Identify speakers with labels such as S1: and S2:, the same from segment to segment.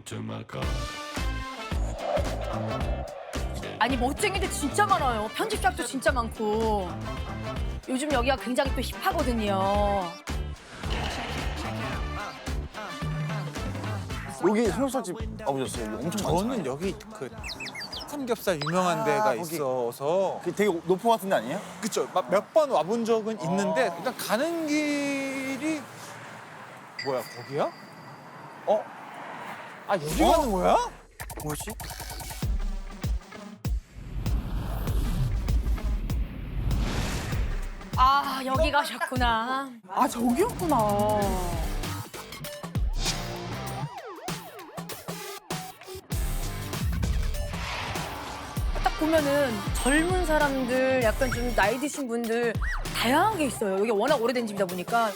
S1: 아니 멋쟁이들 진짜 많아요. 편집샵도 진짜 많고. 요즘 여기가 굉장히 또 힙하거든요.
S2: 여기 삼겹살집 가보셨어요? 여기 엄청
S3: 저는
S2: 많잖아요.
S3: 여기 그 삼겹살 유명한 데가
S2: 거기.
S3: 있어서
S2: 그 되게 높은 것 같은 데 아니에요?
S3: 그쵸 몇 번 와본 적은 있는데 일단 가는 길이 뭐야 거기야? 아 여기 가는 거야?
S2: 뭐지?
S1: 아 여기 가셨구나.
S4: 아 저기였구나.
S1: 딱 보면은 젊은 사람들, 약간 좀 나이 드신 분들 다양하게 있어요. 여기 워낙 오래된 집이다 보니까.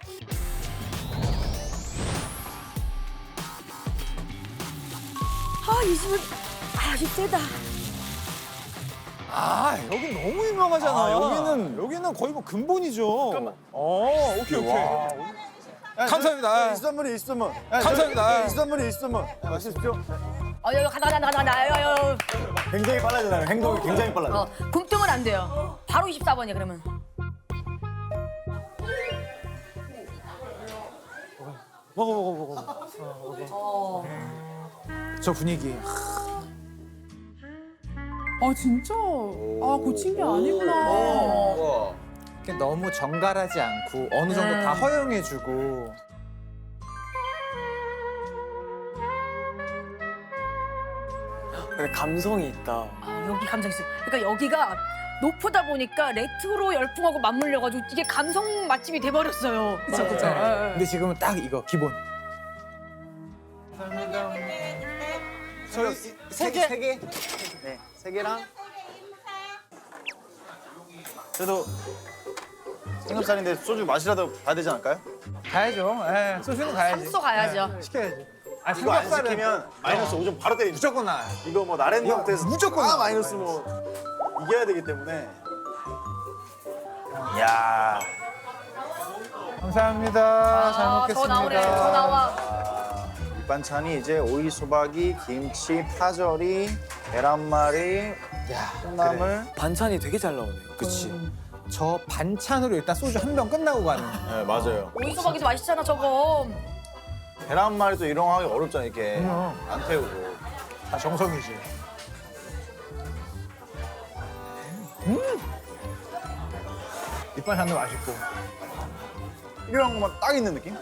S1: 아, 이 집은 아주 세다.
S3: 아 여기 너무 유명하잖아.
S2: 아,
S3: 여기는 거의 뭐 근본이죠. 오케이 오케이. 감사합니다.
S2: 있으면 있으면.
S3: 감사합니다.
S2: 있으면. 맛있죠?
S1: 여기 가다.
S2: 굉장히 빨라지나요? 행동이 굉장히 빨라져.
S1: 굶뜨면 안 돼요. 바로 24번이야, 그러면.
S3: 먹어. 저 분위기.
S4: 아 진짜? 아 고친 게 아니구나.
S3: 이렇게 너무 정갈하지 않고 어느 정도 다 허용해주고.
S5: 근데 감성이 있다.
S1: 여기 감성 있어. 그러니까 여기가 높다 보니까 레트로 열풍하고 맞물려가지고 이게 감성 맛집이 돼버렸어요.
S4: 그쵸 그쵸.
S3: 근데 지금은 딱 이거 기본. 저희 세 개.
S2: 네, 세 개랑. 그래도 삼겹살인데 소주 마시라도 가야 되지 않을까요?
S3: 가야죠. 예, 소주는 가야지.
S1: 삼소 가야죠.
S3: 예, 시켜야지. 아,
S2: 이거 안
S3: 삼겹살은
S2: 시키면 마이너스 5점 바로 때리죠.
S3: 무조건 나와요.
S2: 이거 뭐 나랜드 형태에서
S3: 무조건
S2: 아
S3: 나와요.
S2: 마이너스 뭐 이겨야 되기 때문에. 이야.
S3: 감사합니다. 잘
S1: 아,
S3: 먹겠습니다.
S1: 더 나오네, 더 나와.
S2: 밑반찬이 이제 오이 소박이, 김치, 파절이, 계란말이,
S3: 야,
S2: 콩나물.
S5: 반찬이 되게 잘 나오네요.
S3: 그치. 저 반찬으로 일단 소주 한 병 끝나고 가는.
S2: 네, 맞아요.
S1: 오이소박이도 맛있잖아, 저거.
S2: 계란말이도 이런 거 하기 어렵잖아, 이렇게. 안 태우고.
S3: 다 정성이지. 밑반찬도 맛있고.
S2: 이런 것만 딱 있는 느낌?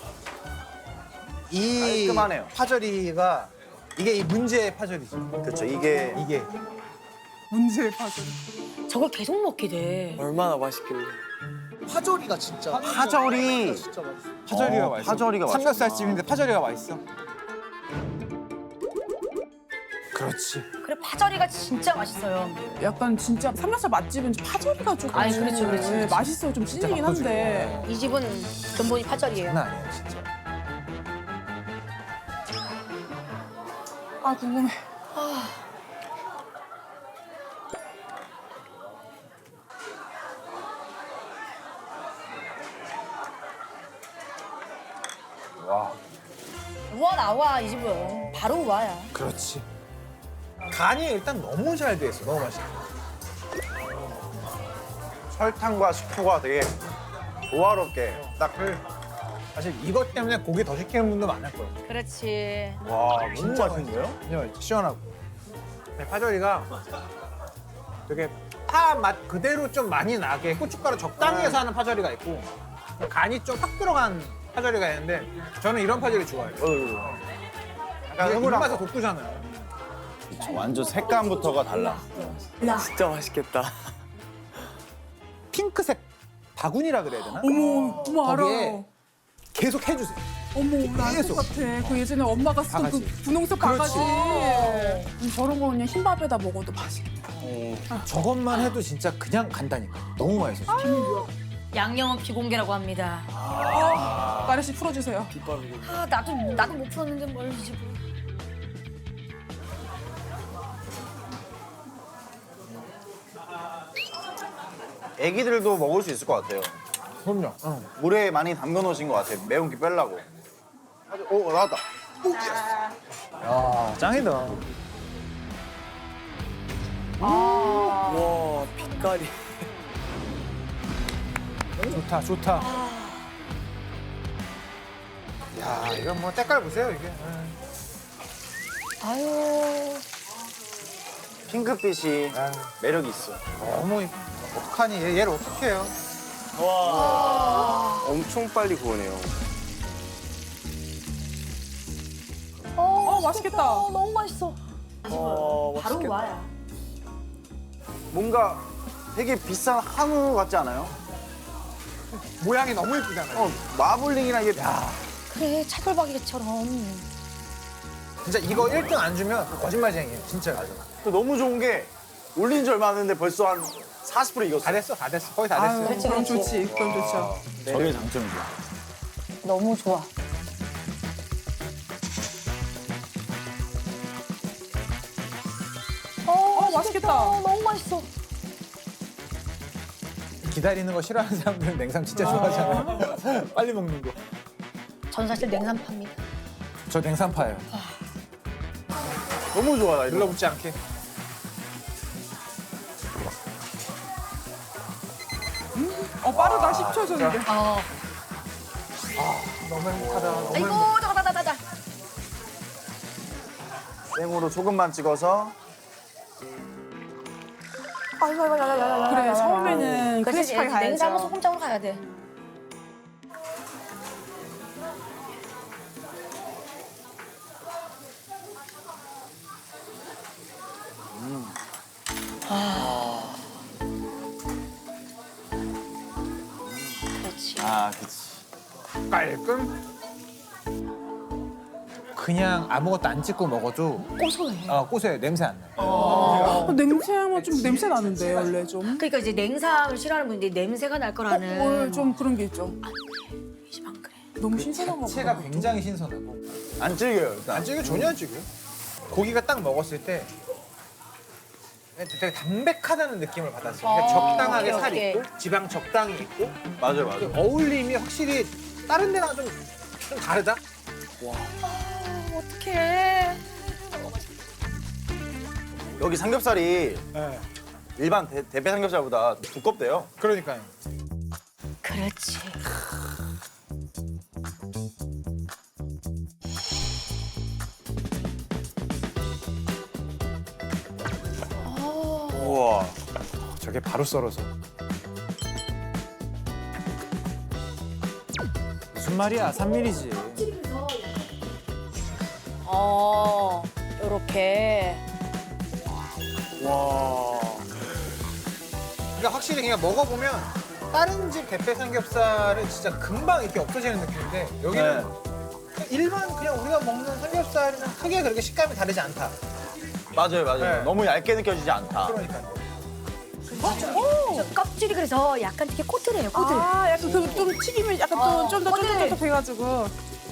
S3: 이
S2: 깔끔하네요.
S3: 파절이가 이게 이 문제의 파절이지.
S2: 그렇죠, 이게.
S3: 이게
S4: 문제의 파전.
S1: 저걸 계속 먹게 돼.
S5: 얼마나 맛있길래.
S6: 파절이가 진짜
S2: 파절이.
S6: 진짜 맛있어.
S3: 파절이가 맛있어.
S2: 파절이가 맛있구나.
S3: 삼겹살집인데 파절이가 맛있어. 그렇지.
S1: 그래, 파절이가 진짜 맛있어요.
S4: 약간 진짜 삼겹살 맛집은 파절이가 조금.
S1: 아니, 그렇죠, 그렇죠, 그렇죠.
S4: 맛있어요. 좀 찔리긴 한데.
S1: 이 집은 근본이 파절이에요.
S3: 장난 아니에요, 진짜.
S4: 아 궁금해.
S1: 우와 나와, 이 집은. 바로 우와야.
S3: 그렇지. 간이 일단 너무 잘 돼 있어. 너무 맛있어.
S2: 설탕과 식초가 되게 조화롭게 딱.
S3: 사실 이것 때문에 고기 더 시키는 분도 많을 거예요.
S1: 그렇지.
S2: 와, 너무 맛있는데요?
S3: 그냥 시원하고. 네, 파절이가 되게 파 맛 그대로 좀 많이 나게 고춧가루 적당히 해서 하는 파절이가 있고 간이 좀 확 들어간 파절이가 있는데 저는 이런 파절이 좋아해요.
S2: 약간
S3: 이게
S2: 흐물한
S3: 입맛에
S2: 거.
S3: 돋구잖아요.
S2: 완전 색감부터가 달라.
S5: 진짜 맛있겠다.
S3: 핑크색 바구니라 그래야 되나?
S4: 어머 알아.
S3: 거기에 계속 해주세요.
S4: 어머 나알
S3: 계속.
S4: 것 같아. 그 예전에 엄마가 쓰던 그
S3: 바가지.
S4: 분홍색
S3: 그렇지.
S4: 바가지. 저런 거 그냥 흰밥에다 먹어도 맛있겠다.
S3: 저것만 해도 진짜 그냥 간다니까. 너무 맛있어.
S1: 양념은 비공개라고 합니다.
S4: 마리 씨 풀어주세요.
S1: 아, 나도 못 풀었는데 뭘 이 집은.
S2: 애기들도 먹을 수 있을 것 같아요.
S3: 그럼요.
S2: 물에 많이 담궈 놓으신 것 같아요. 매운기 빼려고. 오, 나왔다. 오, 예스.
S3: 야, 짱이다.
S5: 와 빛깔이.
S3: 좋다, 좋다. 야, 이건 뭐 때깔 보세요, 이게.
S1: 아유.
S2: 핑크빛이
S3: 아유,
S2: 매력이 있어.
S3: 너무 이뻐. 어떡하니? 얘를 어떻게 해요?
S5: 엄청 빨리 구우네요.
S4: 맛있겠다.
S1: 너무 맛있어.
S5: 맛있겠다.
S1: 와야.
S2: 뭔가 되게 비싼 한우 같지 않아요?
S3: 모양이 너무 예쁘잖아요.
S2: 마블링이랑 이게
S1: 그래 차돌박이처럼.
S3: 진짜 이거 1등 안 주면 거짓말쟁이에요, 진짜.
S2: 또 너무 좋은 게 올린 지 얼마 안 됐는데 벌써 한 40% 익었어.
S3: 다 됐어, 다 됐어. 거의 다 됐어.
S4: 아유, 그럼 좋지. 그럼 좋죠.
S2: 저게 장점이죠.
S1: 너무 좋아.
S4: 맛있겠다.
S1: 너무 맛있어.
S3: 기다리는 거 싫어하는 사람들은 냉삼 진짜 좋아하잖아요. 빨리 먹는 거.
S1: 전 사실 냉삼파입니다.
S3: 저 냉삼파예요.
S2: 너무 좋아, 나 이거.
S3: 눌러붙지 않게.
S4: 빠르다. 10초 전인데.
S3: 너무 행복하다. 너무
S1: 아이고
S3: 행복.
S1: 나가다다다다.
S2: 생으로 소금만 찍어서
S4: 그래, 처음에는 크리스피하게
S1: 냉장고
S4: 가야죠.
S1: 소금장으로 가야 돼. 그렇지.
S2: 아, 그치.
S3: 깔끔. 그냥 아무것도 안 찍고 먹어도
S1: 고소해.
S3: 고소해. 냄새 안 나요.
S4: 냄새는 좀 냄새 나는데 원래 좀.
S1: 그러니까 이제 냉삼을 싫어하는 분들이 냄새가 날 거라는.
S4: 뭘 좀 그런 게 있죠.
S1: 안 그래.
S4: 너무 신선한가
S3: 자체가
S4: 보다.
S3: 굉장히 신선하고.
S2: 안 질겨요, 일단.
S3: 안 찍어 전혀 안 찍어요. 고기가 딱 먹었을 때 되게 담백하다는 느낌을 받았어요. 그러니까 적당하게
S1: 오케이,
S3: 살
S1: 오케이.
S3: 있고 지방 적당히 있고
S2: 맞아요,
S3: 그
S2: 맞아요.
S3: 어울림이 확실히 다른 데랑 좀 다르다.
S1: 어떡해.
S2: 여기 삼겹살이
S3: 네.
S2: 일반 대패 삼겹살보다 두껍대요.
S3: 그러니까요.
S1: 그렇지.
S2: 우와.
S3: 저게 바로 썰어서. 무슨 말이야? 3mm지.
S1: 요렇게.
S5: 와.
S3: 그러니까 확실히 그냥 먹어보면 다른 집 대패 삼겹살은 진짜 금방 이렇게 없어지는 느낌인데 여기는 그냥 일반 그냥 우리가 먹는 삼겹살이랑 크게 그렇게 식감이 다르지 않다.
S2: 맞아요, 맞아요.
S3: 네.
S2: 너무 얇게 느껴지지 않다.
S3: 그러니까요.
S1: 껍질이 그래서 약간 되게 꼬들해요, 꼬들.
S4: 아, 약간 좀 튀기면 약간 좀 더
S1: 어때?
S4: 쫀득쫀득해가지고.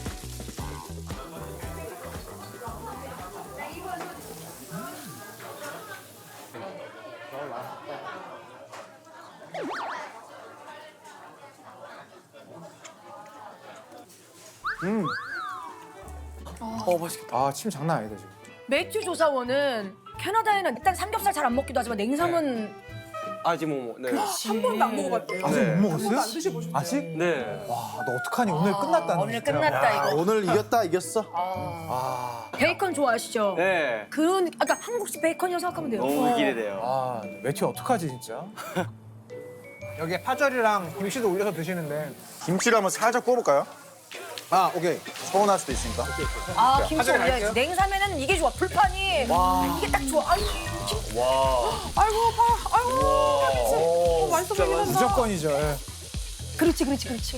S5: 맛있겠다.
S3: 아, 침 장난 아니다 지금.
S1: 매튜 조사원은 캐나다에는 일단 삼겹살 잘 안 먹기도 하지만 냉삼은
S5: 아직 뭐 네.
S4: 한 번도 안 먹어봤대요.
S3: 아직
S5: 네.
S3: 못
S4: 한 번도 안
S3: 먹었어요?
S4: 드셔보셨어요?
S3: 아직?
S5: 네.
S3: 와, 너 어떡하니? 오늘 끝났다. 너
S1: 오늘
S3: 진짜.
S1: 끝났다
S2: 아,
S1: 이거.
S2: 오늘 이겼다, 이겼어.
S3: 아,
S1: 베이컨 좋아하시죠?
S5: 네.
S1: 그런 아까 한국식 베이컨이라고 생각하면 돼요.
S5: 너무 기대돼요.
S3: 아, 매튜 어떡하지 진짜? 여기에 파절이랑 김치도 올려서 드시는데.
S2: 김치를 한번 살짝 구워볼까요?
S3: 아, 오케이.
S2: 서운할 수도 있으니까.
S1: 아 김치
S3: 화장실
S1: 올려야지.
S3: 갈게요.
S1: 냉삼에는 이게 좋아. 불판이 이게 딱 좋아. 아유, 김치.
S4: 아이고, 아이고, 맛있어 보이긴 한다.
S3: 무조건이죠. 예.
S1: 그렇지, 그렇지, 그렇지.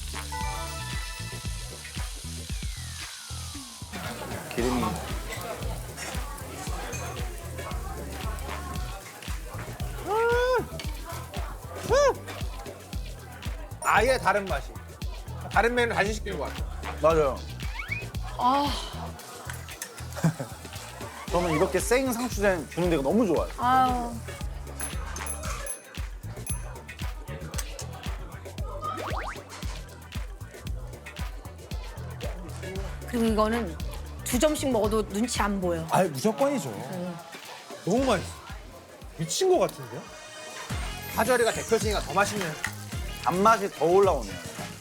S2: 기름이.
S3: 아예 다른 맛이. 다른 메뉴를 다시 시키는 것 같아요.
S2: 맞아요.
S1: 아,
S2: 저는 이렇게 생 상추 주는 데가 너무 좋아요.
S1: 아유. 그리고 이거는 두 점씩 먹어도 눈치 안 보여.
S3: 아 무조건이죠. 너무 맛있어. 미친 것 같은데요? 파절이가 대표적이니까 더 맛있는.
S2: 단맛이 더 올라오네요.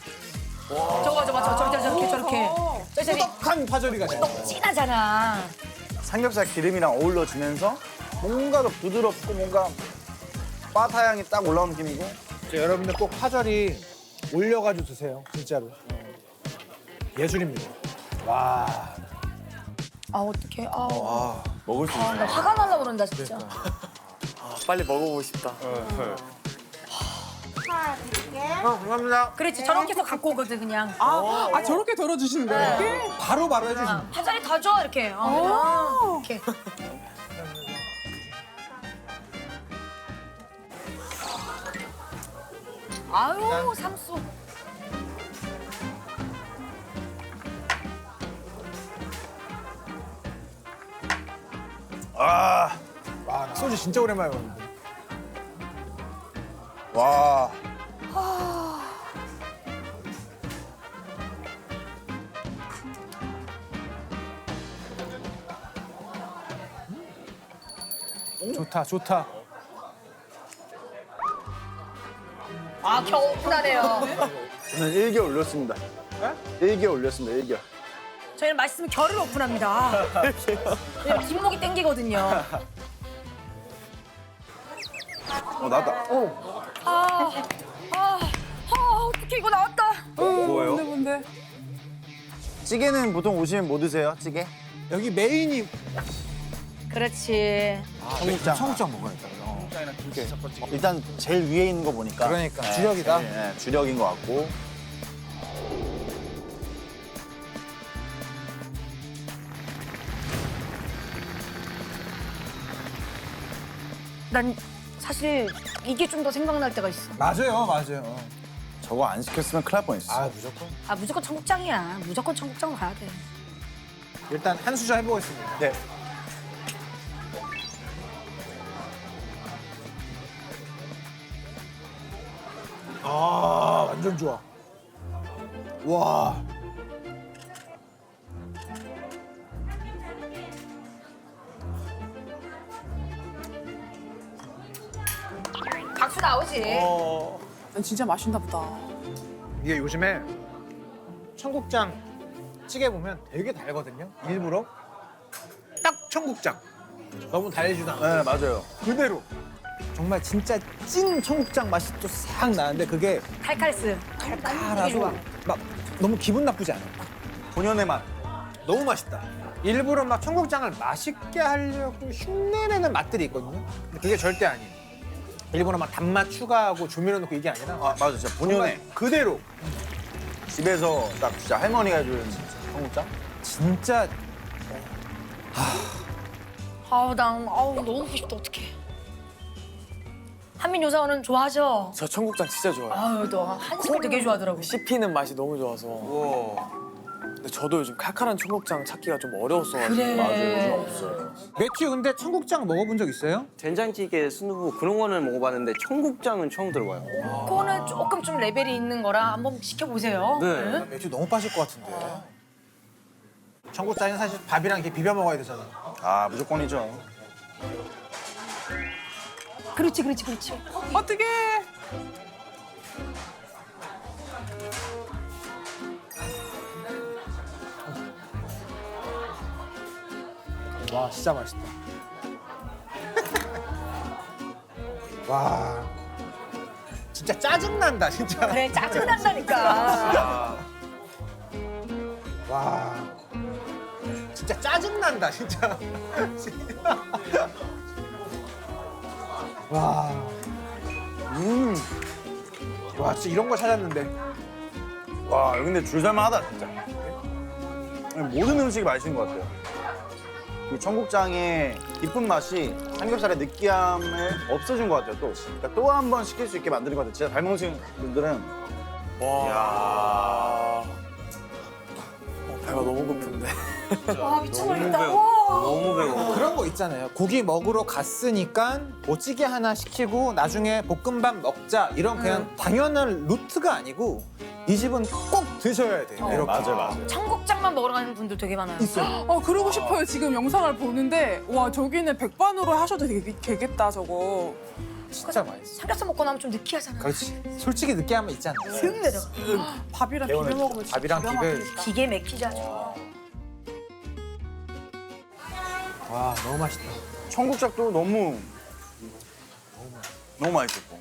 S1: 저렇게.
S3: 꾸덕한 파절이가 돼요.
S1: 너무 진하잖아.
S2: 삼겹살 기름이랑 어우러지면서 뭔가 더 부드럽고 뭔가 바타 향이 딱 올라오는 느낌이고.
S3: 여러분들 꼭 파절이 올려가지고 드세요. 진짜로. 예술입니다. 와.
S1: 아 어떡해. 아,
S2: 먹을 수
S1: 나 화가 날라 그런다 진짜.
S5: 아, 빨리 먹어보고 싶다.
S3: 감사합니다.
S1: 그렇지 저렇게 해서 갖고 오거든 그냥.
S4: 아 저렇게 덜어주시는데 이렇게?
S3: 바로 해주신다.
S1: 파절이 더 줘 이렇게. 이렇게. 아유 삼수.
S2: 아,
S3: 와, 나 소주 진짜 오랜만에 먹는데.
S2: 와.
S3: 좋다, 좋다.
S1: 아 겨우 오픈하네요.
S2: 저는 1개 올렸습니다.
S3: 네?
S2: 1개 올렸습니다, 1개.
S1: 저희는 맛있으면 결을 오픈합니다. 왜냐면 뒷목이 땡기거든요.
S2: 나왔다.
S1: 어떻게 이거 나왔다.
S5: 뭐예요?
S4: 뭔데?
S2: 찌개는 보통 오시면 뭐 드세요, 찌개?
S3: 여기 메인이
S1: 그렇지.
S2: 청국장.
S3: 청국장 먹어야겠다.
S2: 일단 제일 위에 있는 거 보니까.
S3: 그러니까, 주력이다.
S2: 네, 주력인 것 같고.
S1: 난 사실 이게 좀 더 생각날 때가 있어.
S3: 맞아요, 맞아요.
S2: 저거 안 시켰으면 큰일 날 뻔했어.
S3: 아, 무조건.
S1: 아 무조건 청국장이야. 무조건 청국장 가야 돼.
S3: 일단 한 수저 해보겠습니다.
S2: 네.
S3: 아, 완전 좋아. 와.
S1: 박수 나오지.
S4: 난 진짜 맛있나 보다.
S3: 이게 요즘에 청국장 찌개 보면 되게 달거든요. 일부러. 딱 청국장. 너무 달지도 않고.
S2: 네, 맞아요.
S3: 그대로. 정말 진짜 찐 청국장 맛이 또 싹 나는데 그게
S1: 칼칼스. 되게 좋아.
S3: 달아서 막 너무 기분 나쁘지 않아요.
S2: 본연의 맛.
S3: 너무 맛있다. 일부러 막 청국장을 맛있게 하려고 흉내내는 맛들이 있거든요. 근데 그게 절대 아니에요. 일부러 막 단맛 추가하고 조미료 넣고 이게 아니라
S2: 아, 맞아. 진짜 본연의.
S3: 정말 그대로.
S2: 집에서 딱 진짜 할머니가 해준 청국장?
S3: 진짜
S1: 아우 너무 먹고 싶다 어떡해. 한민 요사원은 좋아하죠?
S5: 저 청국장 진짜 좋아해요.
S1: 아유 너 한식을 되게 좋아하더라고.
S5: 씹히는 맛이 너무 좋아서. 근데 저도 요즘 칼칼한 청국장 찾기가 좀 어려웠어가지고.
S1: 그래.
S2: 맞아요. 요즘 없어요.
S3: 매튜 근데 청국장 먹어본 적 있어요?
S7: 된장찌개, 순두부 그런 거는 먹어봤는데 청국장은 처음 들어봐요.
S1: 그거는 조금 좀 레벨이 있는 거라 한번 시켜보세요.
S7: 네.
S3: 매튜 너무 빠질 것 같은데. 청국장은 사실 밥이랑 이렇게 비벼 먹어야 되잖아.
S2: 아, 무조건이죠.
S1: 그렇지.
S4: 어떻게?
S3: 와 진짜 맛있다. 와 진짜 짜증 난다 진짜.
S1: 그래 짜증난다니까.
S3: 와 진짜 짜증 난다 진짜. 와. 와 진짜 이런 거 찾았는데.
S2: 와, 여기 근데 줄 설만하다, 진짜. 모든 음식이 맛있는 것 같아요. 이 청국장의 깊은 맛이 삼겹살의 느끼함을 없애준 것 같아요, 또. 그러니까 또 한 번 시킬 수 있게 만드는 것 같아요. 진짜 잘 먹으신 분들은.
S5: 와. 배가 너무 고픈데.
S1: 와 미쳐버리겠다.
S7: 너무 배고파.
S3: 그런 거 있잖아요. 고기 먹으러 갔으니까 뭐 찌개 하나 시키고 나중에 볶음밥 먹자 이런 그냥 당연한 루트가 아니고 이 집은 꼭 드셔야 돼요.
S2: 네,
S3: 이렇게.
S2: 맞아요, 맞아요.
S1: 청국장만 먹으러 가는 분들 되게 많아요.
S4: 그러고 싶어요. 지금 영상을 보는데 와 저기는 백반으로 하셔도 되겠다 저거.
S3: 진짜 맛있어.
S1: 삼겹살 먹고 나면 좀 느끼하잖아요.
S3: 그렇지. 솔직히 느끼한 거 있잖아.
S1: 슥 내려가.
S4: 밥이랑 비벼
S2: 개운해.
S4: 먹으면 진짜
S3: 밥이랑
S4: 기가
S3: 비벼.
S4: 막히겠다.
S1: 기계 맥히지 아주.
S3: 와 너무 맛있다.
S2: 청국장도 너무 맛있어.